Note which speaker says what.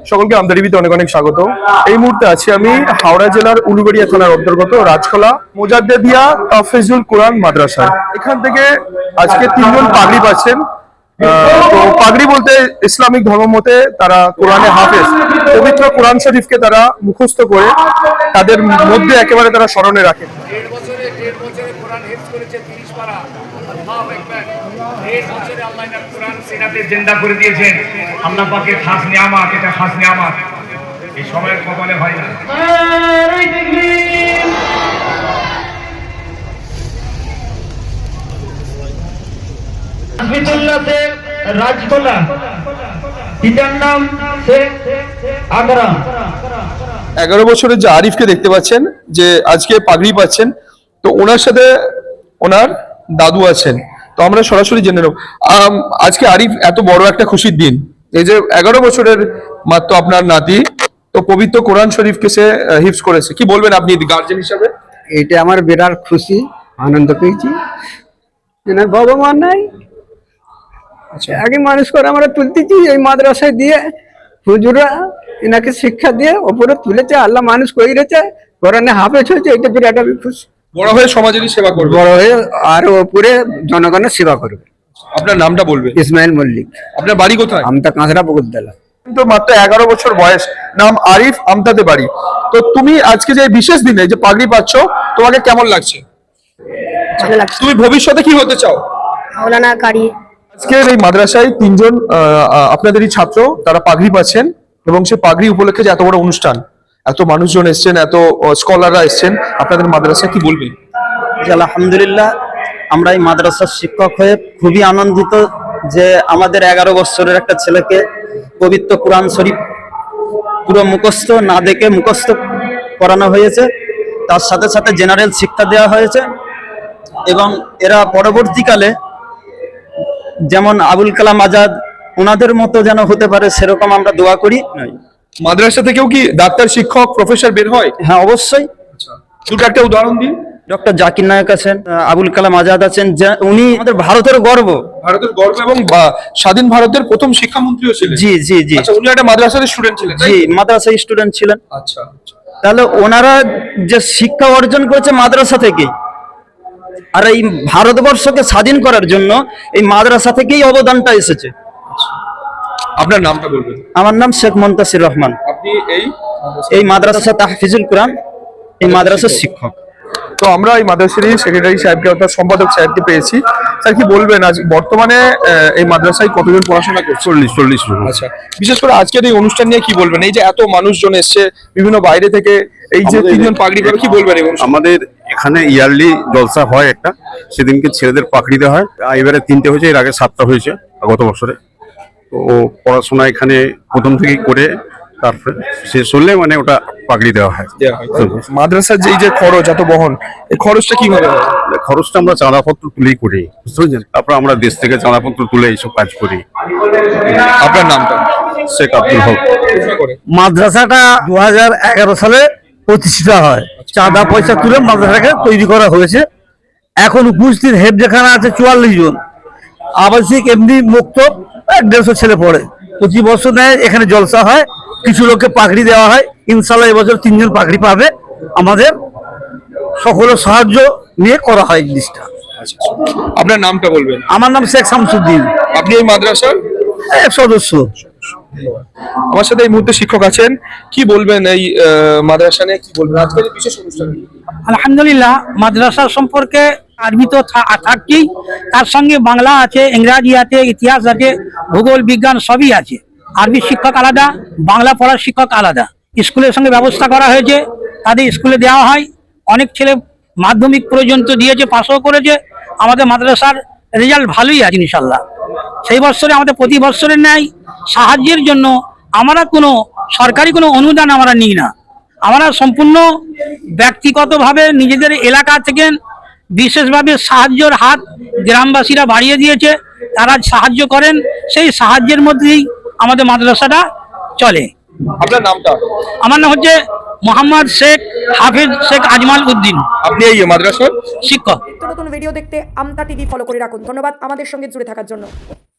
Speaker 1: সকলকে আমদা টিভিতে অনেক অনেক স্বাগত। এই মুহূর্তে আছি আমি হাওড়া জেলার উলুবেড়িয়া থানার অন্তর্গত রাজখোলা মোজাদ্দেদিয়া তাফিজুল কোরআন মাদ্রাসায়। এখান থেকে আজকে 3 জন পাগড়ি পাচ্ছেন। তো পাগড়ি বলতে ইসলামিক ধর্ম মতে তারা কোরআনে হাফেজ, পবিত্র কোরআন শরীফকে তারা মুখস্থ করে তাদের মধ্যে একেবারে তারা স্মরণে রাখেন।
Speaker 2: 1.5 বছরে কোরআন হিফজ করেছে 30 পারা। আল্লাহু আকবার। 1.5 বছরে আল্লাহ এর কোরআন সিনাতে জিন্দা করে দিয়েছেন। আল্লাহ পাকের খাস নিয়ামত, এটা খাস নিয়ামত। এই সময়ের কপালে হয় না।
Speaker 3: হাফিজুল্লাহ से রাজখোলা, পিতার নাম শেখ আকরাম।
Speaker 1: 11 বছরের যে আরিফকে দেখতে পাচ্ছেন, যে আজকে পাগড়ি পাচ্ছেন, তো ওনার সাথে ওনার দাদু আছেন। তো আমরা সরাসরি জেনে নেব আজকে আরিফ এত বড় একটা খুশির দিন, এই যে 11 বছরের মাত্র আপনার নাতি, তো পবিত্র কোরআন শরীফকে সে হিফজ করেছে, কি বলবেন আপনি গার্জেন হিসাবে?
Speaker 4: এটা আমার বিরাট খুশি, আনন্দ পেয়েছি। এনার বাবা মা নাই, আগে মানুষ করে আমরা তুলতেছি এই মাদ্রাসায় দিয়ে, হুজুরা এনাকে শিক্ষা দিয়ে ওপরে তুলেছে, আল্লাহ মানুষ করেছে, কোরআনে হাফেজ হয়েছে, এটা বিরাট আমি খুশি।
Speaker 1: বড় হয়ে সমাজেরই সেবা করবে,
Speaker 4: বড় হয়ে আরো ওপরে জনগণের সেবা করবে।
Speaker 1: আপনার নামটা বলবেন?
Speaker 4: ইসমাইল মল্লিক।
Speaker 1: আপনার বাড়ি কোথায়?
Speaker 4: আমতা কাঁচরা বকুলতলা।
Speaker 1: তো মাত্র 11 বছর বয়স, নাম আরিফ, আমতাতে বাড়ি। তো তুমি আজকে যে বিশেষ দিনে যে পাগড়ি পাচ্ছ, তোমাকে কেমন লাগছে?
Speaker 5: ভালো লাগছে।
Speaker 1: তুমি ভবিষ্যতে কি হতে চাও?
Speaker 5: মাওলানা কারি।
Speaker 1: আজকের এই মাদ্রাসায় 3 জন আপনাদেরই ছাত্র, তারা পাগড়ি পাচ্ছেন, এবং সেই পাগড়ি উপলক্ষে যে এত বড় অনুষ্ঠান, এত মানুষজন এসছেন, এত স্কলাররা এসছেন আপনাদের মাদ্রাসায়, কি বলবেন?
Speaker 6: আলহামদুলিল্লাহ, আমরা এই মাদ্রাসার শিক্ষক হয়ে খুবই আনন্দিত যে আমাদের 11 বছরের একটা ছেলেকে পবিত্র কোরআন শরীফ পুরো মুখস্থ না দেখে মুখস্থ করানো হয়েছে, তার সাথে সাথে জেনারেল শিক্ষা দেওয়া হয়েছে, এবং এরা পরবর্তীকালে যেমন আবুল কালাম আজাদ ওনাদের মতো যেন হতে পারে, সেরকম আমরা দোয়া করি।
Speaker 1: মাদ্রাসা থেকেও কি ডাক্তার, শিক্ষক, প্রফেসর বের হয়?
Speaker 6: হ্যাঁ, অবশ্যই।
Speaker 1: দুটো একটা উদাহরণ দিন।
Speaker 6: ডক্টর জাকির নায়েক আছেন, আবুল কালাম আজাদ আছেন, উনি আমাদের ভারতের গর্ব,
Speaker 1: এবং স্বাধীন ভারতের প্রথম শিক্ষামন্ত্রীও ছিলেন।
Speaker 6: জি জি জি।
Speaker 1: আচ্ছা, উনি একটা মাদ্রাসার স্টুডেন্ট ছিলেন?
Speaker 6: জি, মাদ্রাসার স্টুডেন্ট ছিলেন।
Speaker 1: আচ্ছা,
Speaker 6: তাহলে ওনারা যে শিক্ষা অর্জন করেছে মাদ্রাসা থেকেই, আর এই ভারতবর্ষকে স্বাধীন করার জন্য এই মাদ্রাসা থেকেই অবদানটা এসেছে।
Speaker 1: আপনার নামটা বলবেন?
Speaker 6: আমার নাম শেখ মুনতাসির রহমান।
Speaker 1: আপনি
Speaker 6: এই মাদ্রাসা তাহফিজুল কোরআন, এই মাদ্রাসার শিক্ষক।
Speaker 1: তো আমরা এই মাদ্রাসারই সেক্রেটারি সাহেবকে অর্থাৎ সম্পাদক সাহেবকে পেয়েছি। স্যার, কি বলবেন আজ বর্তমানে এই মাদ্রাসায় কতজন পড়াশোনা করছে?
Speaker 7: 40 জন।
Speaker 1: আচ্ছা, বিশেষ করে আজকের এই অনুষ্ঠান নিয়ে কি বলবেন? এই যে এত মানুষজন এসছে বিভিন্ন বাইরে থেকে, এই যে 3 জন পাগড়ি করে, কি বলবেন?
Speaker 7: আমাদের এখানে ইয়ারলি জলসা হয় একটা, সেদিনকে ছেলেদের পাগড়ি দেওয়া হয়। এবারে 3টে হয়েছে, এর আগে 7টা হয়েছে গত বছরে। তো পড়াশোনা এখানে প্রথম থেকেই করে তারপরে শেষ হলে মানে ওটা পাগড়ি দেওয়া হয়।
Speaker 1: মাদ্রাসার যে এই যে খরচ এত বহন, এই খরচটা কিভাবে হয়?
Speaker 7: খরচটা আমরা চাঁদাপত্র তুলেই করি, বুঝতে পেরেছেন? তারপর আমরা দেশ থেকে চাঁদাপত্র তুলে এইসব কাজ করি।
Speaker 1: আপনার নামটা?
Speaker 7: শেখ আব্দুল হক।
Speaker 8: মাদ্রাসাটা 2011 সালে প্রতিষ্ঠিত হয়। চাঁদা পয়সা তুলে মাদ্রাসাটাকে তৈরি করা হয়েছে। এখন উপস্থিত হেফজখানা আছে 44 জন, আবাসিক এমনি মুক্ত 150 ছেলে পড়ে। প্রতি বছর নেয় এখানে জলসা হয়, কিছু লোককে পাগড়ি দেওয়া হয়। ইনশাল্লাহ এবছর 3 জন পাগড়ি পাবে। আমাদের সকলের সাহায্য নিয়ে করা হয় জিনিসটা।
Speaker 1: আপনার নামটা বলবেন?
Speaker 8: আমার নাম শেখ শামসুদ্দিন।
Speaker 1: আপনি এই মাদ্রাসার
Speaker 8: এক সদস্য।
Speaker 1: আমার সাথে এই মুহূর্তে শিক্ষক আছেন, কি বলবেন এই মাদ্রাসা নিয়ে? কি বলবেন আজকের এই বিশেষ অনুষ্ঠান?
Speaker 9: আলহামদুলিল্লাহ, মাদ্রাসা সম্পর্কে আরবি তো থাকছেই, তার সঙ্গে বাংলা আছে, ইংরাজি আছে, ইতিহাস আছে, ভূগোল, বিজ্ঞান সবই আছে। আরবি শিক্ষক আলাদা, বাংলা পড়ার শিক্ষক আলাদা। স্কুলের সঙ্গে ব্যবস্থা করা হয়েছে, তাদের স্কুলে দেওয়া হয়। অনেক ছেলে মাধ্যমিক পর্যন্ত দিয়েছে, পাশও করেছে। আমাদের মাদ্রাসার রেজাল্ট ভালোই আছে ইনশাল্লাহ। সেই বছরে আমাদের প্রতি বছরের ন্যায় সাহায্যের জন্য আমরা কোনো সরকারি কোনো অনুদান আমরা নিই না। আমরা সম্পূর্ণ ব্যক্তিগতভাবে নিজেদের এলাকা থেকে বিশেষভাবে সাহায্যের হাত গ্রামবাসীরা বাড়িয়ে দিয়েছে, তারা সাহায্য করেন, সেই সাহায্যের মধ্যেই আমাদের মাদ্রাসাটা চলে।
Speaker 1: আপনার নামটা?
Speaker 9: আমার নাম হচ্ছে মোহাম্মদ শেখ হাফিজ শেখ আজমাল উদ্দিন।
Speaker 1: আপনি এই মাদ্রাসার
Speaker 9: শিক্ষক।
Speaker 5: নতুন ভিডিও দেখতে আমতা টিভি ফলো করে রাখুন। ধন্যবাদ আমাদের সঙ্গে জুড়ে থাকার জন্য।